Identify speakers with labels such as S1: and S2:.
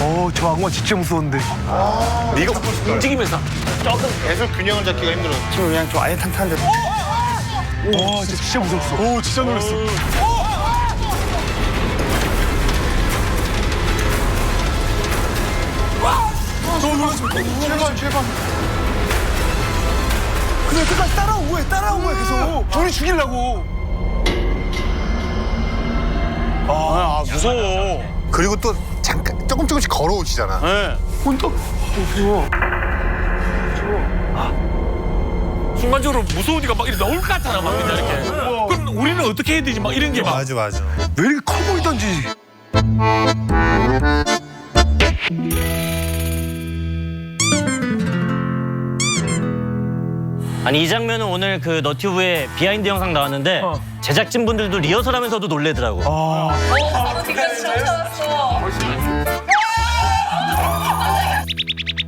S1: 저 악마 진짜 무서운데.
S2: 네가 움직이면서 조금
S3: 계속 균형을 잡기가 힘들어.
S1: 지금 그냥 좀 아예 탄탄한데. 와, 진짜 무섭어. 오, 진짜 놀랐어. 너무 놀랐어. 제발. 그냥 끝까지 따라온 거야, 계속. 우리 죽이려고.
S2: 무서워.
S3: 그리고 또 잠깐 조금씩 걸어오시잖아.
S2: 네.
S1: 혼자. 무서워.
S2: 순간적으로 무서우니까 막 이렇게 나올 것 같잖아, 막 그냥 이렇게. 그럼 우리는 어떻게 해야 되지? 막 이런 게 막.
S3: 맞아.
S1: 왜 이렇게 커 보이던지.
S4: 아니 이 장면은 오늘 그 너튜브에 비하인드 영상 나왔는데 제작진분들도 리허설하면서도 놀래더라고.
S5: 어디까지 쫓아왔어.